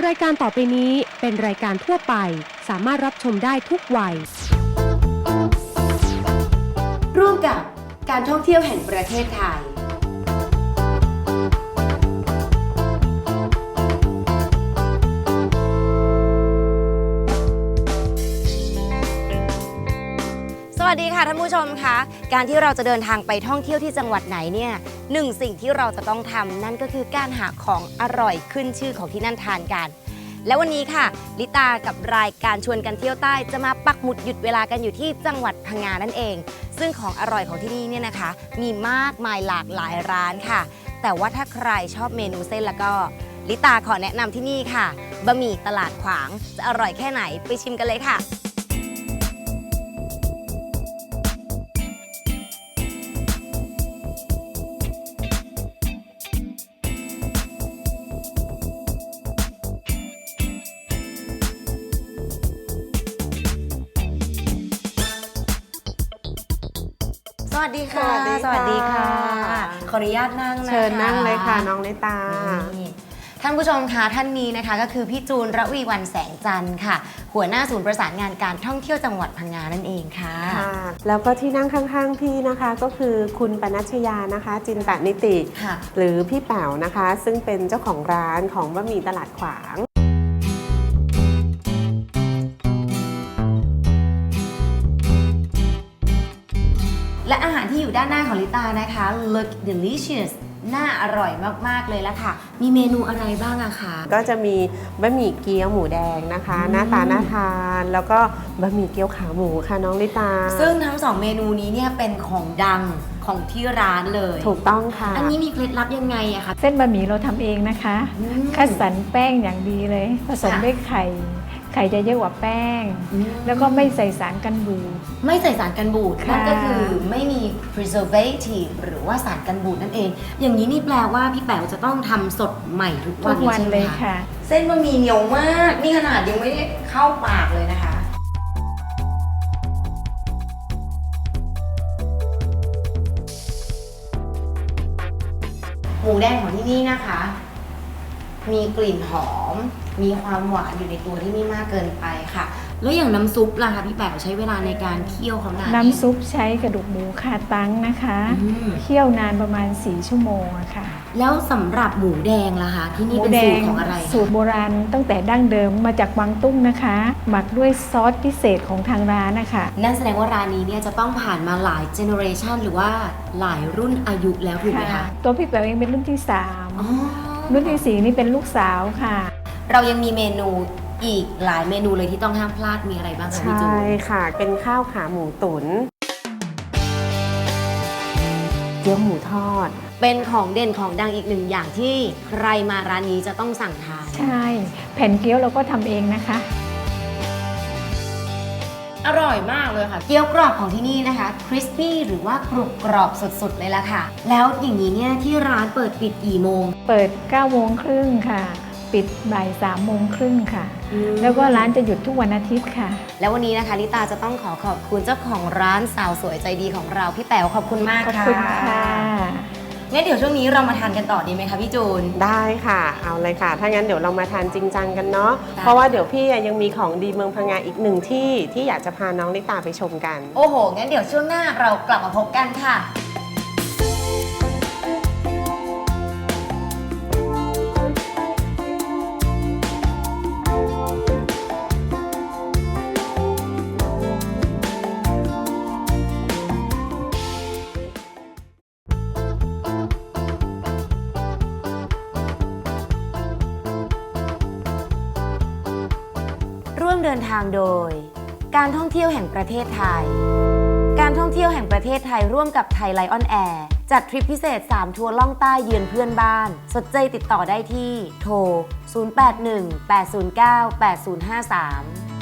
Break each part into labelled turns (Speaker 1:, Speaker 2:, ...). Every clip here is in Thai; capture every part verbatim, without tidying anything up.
Speaker 1: รายการต่อไปนี้เป็นรายการทั่วไปสามารถรับชมได้ทุกวัยร่วมกับการท่องเที่ยวแห่งประเทศไทย
Speaker 2: สวัสดีค่ะท่านผู้ชมคะการที่เราจะเดินทางไปท่องเที่ยวที่จังหวัดไหนเนี่ยหนึ่งสิ่งที่เราจะต้องทำนั่นก็คือการหาของอร่อยขึ้นชื่อของที่นั่นทานกันและวันนี้ค่ะลิตากับรายการชวนกันเที่ยวใต้จะมาปักหมุดหยุดเวลากันอยู่ที่จังหวัดพังงานั่นเองซึ่งของอร่อยของที่นี่เนี่ยนะคะมีมากมายหลากหลายร้านค่ะแต่ว่าถ้าใครชอบเมนูเส้นแล้วก็ลิตาขอแนะนำที่นี่ค่ะบะหมี่ตลาดขวางจะอร่อยแค่ไหนไปชิมกันเลยค่ะสวัสดีค่ะสวัสดีค่ะขออนุญาตนั่งนะคะ
Speaker 3: เชิญนั่งเลยค่ะน้องลิตา
Speaker 2: ท่านผู้ชมคะท่านนี้นะคะก็คือพี่จูนระวีวรรณแสงจันทร์ค่ะหัวหน้าศูนย์ประสานงานการท่องเที่ยวจังหวัดพังงานั่นเองค่ะ
Speaker 3: ค่ะแล้วก็ที่นั่งข้างๆพี่นะคะก็คือคุณปนัชยานะคะจินตนิติหรือพี่แป๋วนะคะซึ่งเป็นเจ้าของร้านของบะหมี่ตลาดขวาง
Speaker 2: และอาหารที่อยู่ด้านหน้าของลิตานะคะ look delicious น่าอร่อยมากๆเลยละค่ะมีเมนูอะไรบ้างอะคะ
Speaker 3: ก็จะมีบะหมี่เกี๊ยวหมูแดงนะคะหน้าตาน่าทานแล้วก็บะหมี่เกี๊ยวขาหมูค่ะน้องลิตา
Speaker 2: ซึ่งทั้งสองเมนูนี้เนี่ยเป็นของดังของที่ร้านเลย
Speaker 3: ถูกต้องค่ะ
Speaker 2: อันนี้มีเคล็ดลับยังไงอะคะ
Speaker 4: เส้นบะหมี่เราทำเองนะคะคัดสรรแป้งอย่างดีเลยผสมด้วยไข่ไข่จะเยอะกว่าแป้งแล้วก็ไม่ใส่สารกันบูด
Speaker 2: ไม่ใส่สารกันบูดนั่นก็คือไม่มี preservative หรือว่าสารกันบูดนั่นเองอย่างนี้นี่แปลว่าพี่แป๋วจะต้องทำสดใหม่ทุกวัน
Speaker 4: ทุกวันเลยค่ะ
Speaker 2: เส้นบะหมี่เหนียวมากนี่ขนาดยังไม่ได้เข้าปากเลยนะคะหมูแดงของที่นี่นะคะมีกลิ่นหอมมีความหวานอยู่ในตัวที่ไม่มากเกินไปค่ะแล้วอย่างน้ำซุปล่ะคะพี่แป๋วใช้เวลาในการเคี่ยวเขานาน
Speaker 4: น้ำซุปใช้กระดูกหมูคาตังนะคะเคี่ยวนานประมาณสี่ชั่วโมงอะค่ะ
Speaker 2: แล้วสำหรับหมูแดงล่ะคะที่นี่เป็นสูตรของอะไร
Speaker 4: สูตรโบราณตั้งแต่ดั้งเดิมมาจากกวางตุ้งนะคะหมักด้วยซอสพิเศษของทางร้านนะคะ
Speaker 2: นั่นแสดงว่าร้านนี้เนี่ยจะต้องผ่านมาหลายเจเนอเรชันหรือว่าหลายรุ่นอายุแล้วถูกไหมคะ
Speaker 4: ตัวพี่แป๋วเองเป็นรุ่นที่สามรุ่นที่สี่นี่เป็นลูกสาวค่ะ
Speaker 2: เรายังมีเมนูอีกหลายเมนูเลยที่ต้องห้ามพลาดมีอะไรบ้างคะพี่จูน
Speaker 3: ใช่ค่ะเป็นข้าวขาหมูตุ๋นเกี๊ยวหมูทอด
Speaker 2: เป็นของเด่นของดังอีกหนึ่งอย่างที่ใครมาร้านนี้จะต้องสั่งทาน
Speaker 4: ใช่แผ่นเกี๊ยวเราก็ทำเองนะคะ
Speaker 2: อร่อยมากเลยค่ะเกี๊ยวกรอบของที่นี่นะคะคริสปี้หรือว่ากรุบกรอบสุดๆเลยล่ะค่ะแล้วอย่างนี้เนี่ยที่ร้านเปิดปิดกี่โมง
Speaker 4: เปิดเก้าโมงครึ่งค่ะปิดบ่ายสามโมงครึ่งค่ะแล้วก็ร้านจะหยุดทุกวันอาทิตย์ค่ะ
Speaker 2: แล้ววันนี้นะคะลิตาจะต้องขอขอบคุณเจ้าของร้านสาวสวยใจดีของเราพี่แป๋วขอบคุณมากค่ะ
Speaker 4: ขอบคุณค่ะ
Speaker 2: งั้นเดี๋ยวช่วงนี้เรามาทานกันต่อดีไหมคะพี่จูน
Speaker 3: ได้ค่ะเอาเลยค่ะถ้างั้นเดี๋ยวเรามาทานจริงจังกันเนาะเพราะว่าเดี๋ยวพี่ยังมีของดีเมืองพังงาอีกหนึ่งที่ที่อยากจะพาน้องลิตาไปชมกัน
Speaker 2: โอ้โหงั้นเดี๋ยวช่วงหน้าเรากลับมาพบกันค่ะร่วมเดินทางโดยการท่องเที่ยวแห่งประเทศไทยการท่องเที่ยวแห่งประเทศไทยร่วมกับไทยไลออนแอร์จัดทริปพิเศษสามทัวร์ล่องใต้เยือนเพื่อนบ้านสนใจติดต่อได้ที่โทรศูนย์ แปด หนึ่ง แปด ศูนย์ เก้า แปด ศูนย์ ห้า สาม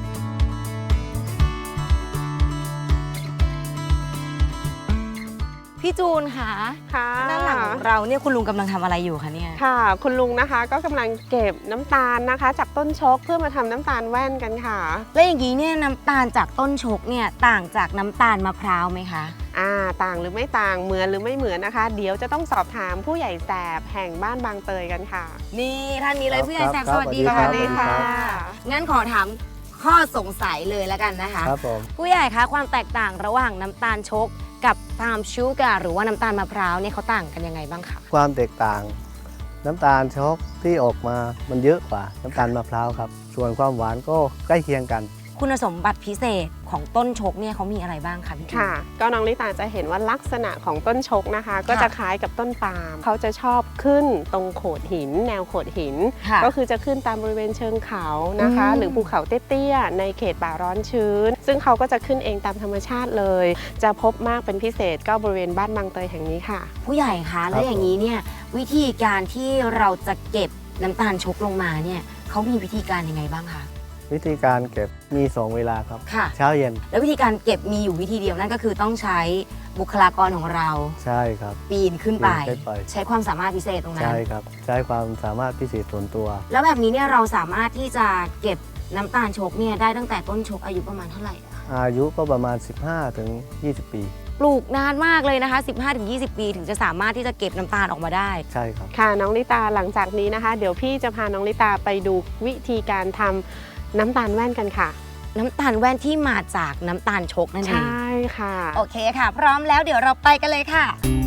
Speaker 2: พี่จูนค่ะ
Speaker 3: ค่ะ
Speaker 2: ด้านหลังของเราเนี่ยคุณลุงกำลังทำอะไรอยู่คะเนี่ย
Speaker 3: ค่ะคุณลุงนะคะก็กำลังเก็บน้ำตาลนะคะจากต้นชกเพื่อมาทำน้ำตาลแว่นกันค่ะ
Speaker 2: แล้วอย่างนี้เนี่ยน้ำตาลจากต้นชกเนี่ยต่างจากน้ำตาลมะพร้าวไหมคะ
Speaker 3: อ่าต่างหรือไม่ต่างเหมือนหรือไม่เหมือนนะคะ เดี๋ยวจะต้องสอบถามผู้ใหญ่แสบแห่งบ้านบางเตยกันค่ะ
Speaker 2: นี่ท่านนี้เลยผู้ใหญ่แสบ
Speaker 5: ครับ
Speaker 2: สวัสดี
Speaker 5: ครั
Speaker 2: ค่ะ
Speaker 5: บสวัสดีครับ
Speaker 2: งั้นขอถามข้อสงสัยเลยแล้วกันนะคะ
Speaker 5: ครับผม
Speaker 2: ผู้ใหญ่คะความแตกต่างระหว่างน้ำตาลชกกับพามชูการ์หรือว่าน้ำตาลมะพร้าวเนี่ยเขาต่างกันยังไงบ้างคะ
Speaker 5: ความแตกต่างน้ำตาลช็อกที่ออกมามันเยอะกว่าน้ำตาลมะพร้าวครับส่วนความหวานก็ใกล้เคียงกัน
Speaker 2: คุณสมบัติพิเศษของต้นชกเนี่ยเขามีอะไรบ้างคะพี่จูน
Speaker 3: ค่ะ ก็น้องลิตาจะเห็นว่าลักษณะของต้นชกนะคะ ก็จะคล้ายกับต้นปาล์มเขาจะชอบขึ้นตรงโขดหิน แนวโขดหิน
Speaker 2: ค่ะ
Speaker 3: ก็คือจะขึ้นตามบริเวณเชิงเขานะคะ
Speaker 2: อืม
Speaker 3: หรือภูเขาเตี้ยๆในเขตป่าร้อนชื้น ซึ่งเขาก็จะขึ้นเองตามธรรมชาติเลย จะพบมากเป็นพิเศษก็บริเวณบ้านบางเตยแห่งนี้ค่ะ
Speaker 2: ผู้ใหญ่คะแล้วอย่างนี้เนี่ยวิธีการที่เราจะเก็บน้ำตาลชกลงมาเนี่ยเขามีวิธีการยังไงบ้างคะ
Speaker 5: วิธีการเก็บมีสองเวลาครับ
Speaker 2: ค่ะ
Speaker 5: เช้าเย็น
Speaker 2: แล้ววิธีการเก็บมีอยู่วิธีเดียวนั่นก็คือต้องใช้บุคลากรของเรา
Speaker 5: ใช่ครับ
Speaker 2: ปีนขึ้นไป
Speaker 5: ปีนขึ้นไป
Speaker 2: ใช้ความสามารถพิเศษตรงนั้น
Speaker 5: ใช่ครับใช้ความสามารถพิเศษส่วนตัว
Speaker 2: แล้วแบบนี้เนี่ยเราสามารถที่จะเก็บน้ำตาลชกเนี่ยได้ตั้งแต่ต้นชกอายุประมาณเท่าไหร่อะคะ
Speaker 5: อายุก็ประมาณ สิบห้าถึงยี่สิบ ปี
Speaker 2: ปลูกนานมากเลยนะคะ สิบห้าถึงยี่สิบ ปีถึงจะสามารถที่จะเก็บน้ำตาลออกมาได้
Speaker 5: ใช่ครับ
Speaker 3: ค่ะน้องลิตาหลังจากนี้นะคะ เดี๋ยวพี่จะพาน้องลิตาไปดูวิธีการทำน้ำตาลแว่นกันค่ะ
Speaker 2: น้ำตาลแว่นที่มาจากน้ำตาลชกนั่นเอ
Speaker 3: ใช
Speaker 2: ง่
Speaker 3: ค่ะ
Speaker 2: โอเคค่ะ พร้อมแล้วเดี๋ยวเราไปกันเลยค่ะ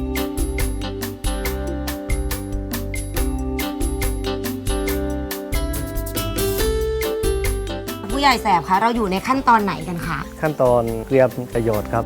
Speaker 2: ผู้ใหญ่แสบคะเราอยู่ในขั้นตอนไหนกันคะ
Speaker 5: ขั้นตอนเตรียมประโยชน์ครับ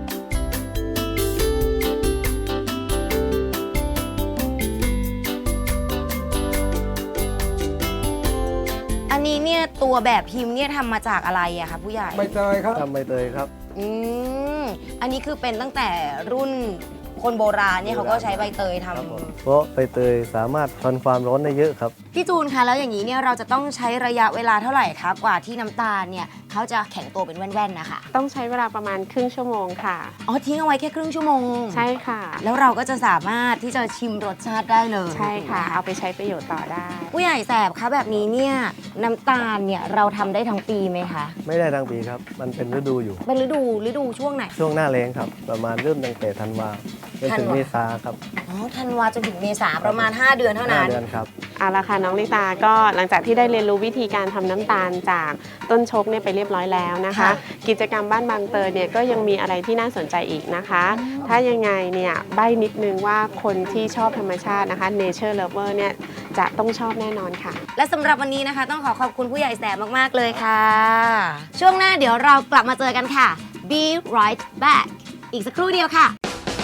Speaker 2: อันนี้เนี่ยตัวแบบพิมพ์เนี่ยทำมาจากอะไรอะคะผู้ใหญ่
Speaker 6: ใบเตยครับ
Speaker 5: ทำใบเตยครับ
Speaker 2: อืมอันนี้คือเป็นตั้งแต่รุ่นคนโบราณเนี่ยเขาก็ใช้ใบเตยท
Speaker 5: ครับผมเพราะใบเตยสามารถทนความร้อนได้เยอะครับ
Speaker 2: ำพี่จูนคะแล้วอย่างนี้เนี่ยเราจะต้องใช้ระยะเวลาเท่าไหร่คะกว่าที่น้ำตาลเนี่ยเขาจะแข็งตัวเป็นแว่นๆนะคะ
Speaker 3: ต้องใช้เวลาประมาณครึ่งชั่วโมงค่ะ
Speaker 2: อ๋อทิ้งเอาไว้แค่ครึ่งชั่วโมง
Speaker 3: ใช่ค่ะ
Speaker 2: แล้วเราก็จะสามารถที่จะชิมรสชาติได้เลย
Speaker 3: ใช่ค่ะ
Speaker 2: ถูกไหม
Speaker 3: เอาไปใช้ประโยชน์ต่อได้
Speaker 2: ผู้ใหญ่แสบคะแบบนี้เนี่ยน้ำตาลเนี่ยเราทำได้ทั้งปีไหมคะ
Speaker 5: ไม่ได้ทั้งปีครับ มันเป็นฤดูอยู่
Speaker 2: เป็นฤดูฤดูช่วงไหน
Speaker 5: ช่วงหน้าแล้งครับ ประมาณเริ่มตั้งแต่ธันวาจนถึง
Speaker 2: ธันวา
Speaker 5: เมษาครับ
Speaker 2: อ๋อธันวาจนถึงเมษาประมาณ ห้า เดือนเท่า
Speaker 5: ห้า
Speaker 2: นั้น
Speaker 5: เดือนครับ
Speaker 3: เอาละค่ะน้องลิตาก็หลังจากที่ได้เรียนรู้วิธีการทำน้ำตาลจากต้นชกเนี่ยไปเรียบร้อยแล้วนะคะ
Speaker 2: ค่ะ
Speaker 3: กิจกรรมบ้านบางเตยเนี่ยก็ยังมีอะไรที่น่าสนใจอีกนะคะ ถ้ายังไงเนี่ยใบ้นิดนึงว่าคนที่ชอบธรรมชาตินะคะ nature lover เนี่ยจะต้องชอบแน่นอนค่ะ
Speaker 2: และสำหรับวันนี้นะคะ ต้องขอขอบคุณผู้ใหญ่แสบมาก ๆ เลยค่ะ ช่วงหน้าเดี๋ยวเรากลับมาเจอกันค่ะ Be right back อีกสักครู่เดียวค่ะ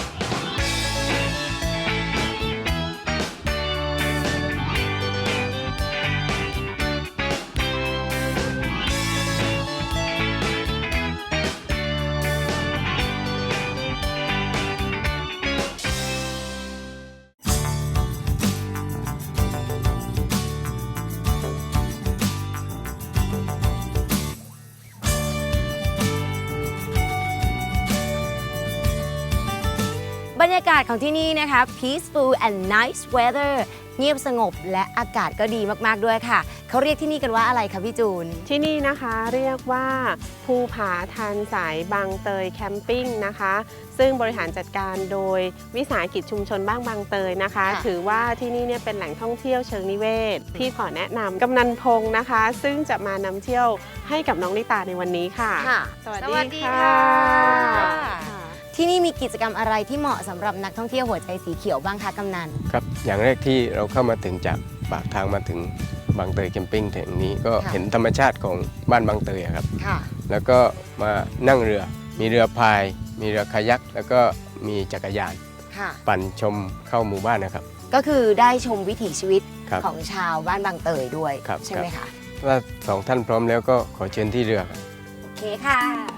Speaker 2: บรรยากาศของที่นี่นะคะ peaceful and nice weather เงียบสงบและอากาศก็ดีมาก ๆ ด้วยค่ะ เขาเรียกที่นี่กันว่าอะไรคะพี่จูน
Speaker 3: ที่นี่นะคะเรียกว่าภูผาทานสายบางเตยแคมปิ้งนะคะ ซึ่งบริหารจัดการโดยวิสาหกิจชุมชนบ้างบางเตยนะคะ
Speaker 2: ค่ะ
Speaker 3: ถือว่าที่นี่เนี่ยเป็นแหล่งท่องเที่ยวเชิงนิเวศ พี่ขอแนะนำกำนันพงษ์นะคะ ซึ่งจะมานำเที่ยวให้กับน้องลิตาในวันนี้ค่ะ
Speaker 2: ค่ะ
Speaker 3: สวัส
Speaker 2: ส
Speaker 3: ดี
Speaker 2: วัสดี
Speaker 3: ค่ะ
Speaker 2: ค่ะ ที่นี่มีกิจกรรมอะไรที่เหมาะสำหรับนักท่องเที่ยวหัวใจสีเขียวบ้างคะกำนัน
Speaker 6: ครับ อย่างแรกที่เราเข้ามาถึงจากปากทางมาถึงบางเตยแคมปิ้งแห่งนี้ก็
Speaker 2: ค่ะ
Speaker 6: เห็นธรรมชาติของบ้านบางเตยอะครับ
Speaker 2: ค่ะ
Speaker 6: แล้วก็มานั่งเรือ มีเรือพาย มีเรือคายัก แล้วก็มีจักรยาน
Speaker 2: ค่ะ
Speaker 6: ปั่นชมเข้าหมู่บ้านนะครับ
Speaker 2: ก็คือได้ชมวิถีชีวิต
Speaker 6: ครับ
Speaker 2: ของชาวบ้านบางเตยด้วย
Speaker 6: ครับ
Speaker 2: ใช่ไหม
Speaker 6: ครั
Speaker 2: คะ
Speaker 6: บ ว่าสองท่านพร้อมแล้วก็ขอเชิญที่เรือครับ
Speaker 2: โอเคค่ะ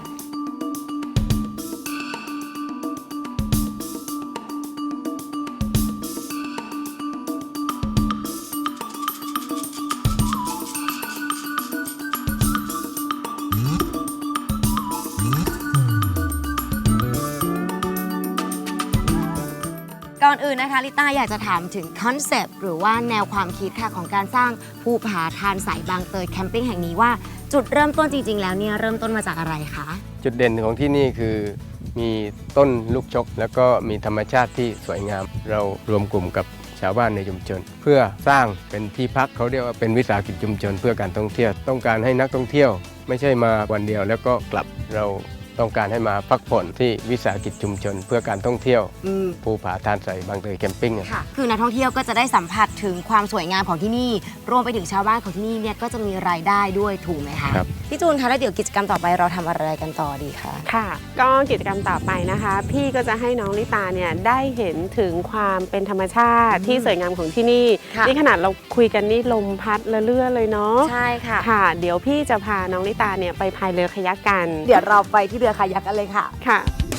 Speaker 2: ก่อนอื่นนะคะลิต้าอยากจะถามถึงคอนเซปต์หรือว่าแนวความคิดค่ะของการสร้างภูผาทานสายบางเตยแคมปิ้งแห่งนี้ว่าจุดเริ่มต้นจริง ๆ แล้วเนี่ยเริ่มต้นมาจากอะไรคะ
Speaker 6: จุดเด่นของที่นี่คือมีต้นลูกชก แล้วก็มีธรรมชาติที่สวยงาม เรารวมกลุ่มกับชาวบ้านในชุมชน เพื่อสร้างเป็นที่พักเขาเรียกว่าเป็นวิสาหกิจชุมชนเพื่อการท่องเที่ยวต้องการให้นักท่องเที่ยวไม่ใช่มาวันเดียวแล้วก็กลับเราต้องการให้มาพักผ่อนที่วิสาหกิจชุมชนเพื่อการท่องเที่ยว
Speaker 2: อืม
Speaker 6: ภูผาทานใสบางเตยแคมปิ้ง
Speaker 2: ค่ะ คือนักท่องเที่ยวก็จะได้สัมผัสถึงความสวยงามของที่นี่ รวมไปถึงชาวบ้านของที่นี่เนี่ยก็จะมีรายได้ด้วยถูกไหมคะ
Speaker 6: ครับ
Speaker 2: พี่จูนคะแล้วเดี๋ยวกิจกรรมต่อไปเราทำอะไรกันต่อดีคะ
Speaker 3: ค่ะ ก็กิจกรรมต่อไปนะคะ พี่ก็จะให้น้องลิตาเนี่ยได้เห็นถึงความเป็นธรรมชาติที่สวยงามของที่นี่
Speaker 2: ค่ะ
Speaker 3: นี่ขนาดเราคุยกันนี่ลมพัดละเลื่อเลยเนาะ
Speaker 2: ใช่ค่ะ
Speaker 3: ค่ะ เดี๋ยวพี่จะพาน้องลิตาเนี่ยไปพายเรือคายักกัน
Speaker 2: เดี๋ยวเราไปที่เรือคายักกันเลยค่ะ
Speaker 3: ค่ะ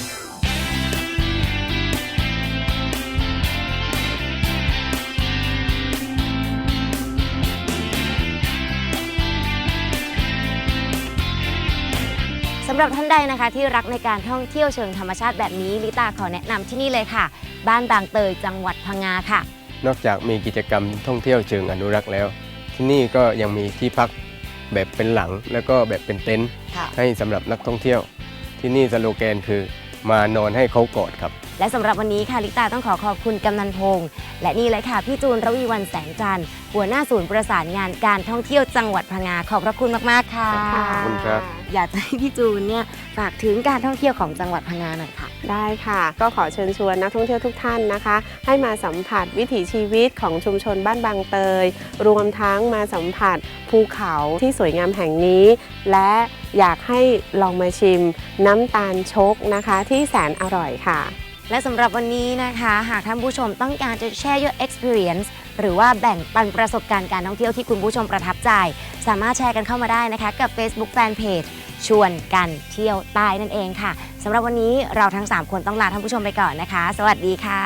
Speaker 2: สำหรับท่านใดนะคะที่รักในการท่องเที่ยวเชิงธรรมชาติแบบนี้ลิตาขอแนะนำที่นี่เลยค่ะ บ้านบางเตยจังหวัดพังงาค่ะ
Speaker 6: นอกจากมีกิจกรรมท่องเที่ยวเชิงอนุรักษ์แล้ว ที่นี่ก็ยังมีที่พักแบบเป็นหลังแล้วก็แบบเป็นเต็นท์
Speaker 2: ค่ะ
Speaker 6: ให้สำหรับนักท่องเที่ยว ที่นี่สโลแกนคือมานอนให้เขากอดครับ
Speaker 2: และสำหรับวันนี้ค่ะลิตาต้องขอขอบคุณกำนันพงษ์และนี่เลยค่ะพี่จูนระวีวันแสงจันทร์หัวหน้าศูนย์ประสานงานการท่องเที่ยวจังหวัดพังงาขอบพระคุณมากๆค่ะ
Speaker 6: ขอบคุณครับ
Speaker 2: อยากจะให้พี่จูนเนี่ยฝากถึงการท่องเที่ยวของจังหวัดพังงาหน่อยค่ะ
Speaker 3: ได้ค่ะ ก็ขอเชิญชวนนักท่องเที่ยวทุกท่านนะคะ ให้มาสัมผัสวิถีชีวิตของชุมชนบ้านบางเตย รวมทั้งมาสัมผัสภูเขาที่สวยงามแห่งนี้ และอยากให้ลองมาชิมน้ำตาลชกนะคะที่แสนอร่อยค่ะ
Speaker 2: และสำหรับวันนี้นะคะ หากท่านผู้ชมต้องการจะแชร์ your experience หรือว่าแบ่งปันประสบการณ์การท่องเที่ยวที่คุณผู้ชมประทับใจ สามารถแชร์กันเข้ามาได้นะคะ กับ Facebook Fanpage ชวนกันเที่ยวใต้นั่นเองค่ะสำหรับวันนี้เราทั้งสามคนต้องลาท่านผู้ชมไปก่อนนะคะ สวัสดีค่ะ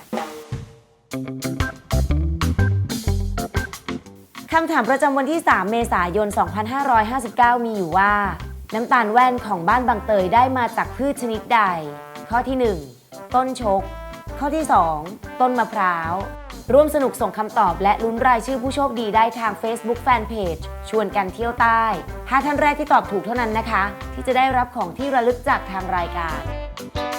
Speaker 2: คำถามประจำวันที่ สาม เมษายน สองพันห้าร้อยห้าสิบเก้า มีอยู่ว่า น้ำตาลแว่นของบ้านบางเตยได้มาจากพืชชนิดใด ข้อที่ หนึ่ง ต้นชก ข้อที่ สอง ต้นมะพร้าว ร่วมสนุกส่งคำตอบและลุ้นรายชื่อผู้โชคดีได้ทาง Facebook Fanpage ชวนกันเที่ยวใต้ห้าท่านแรกที่ตอบถูกเท่านั้นนะคะ ที่จะได้รับของที่ระลึกจากทางรายการ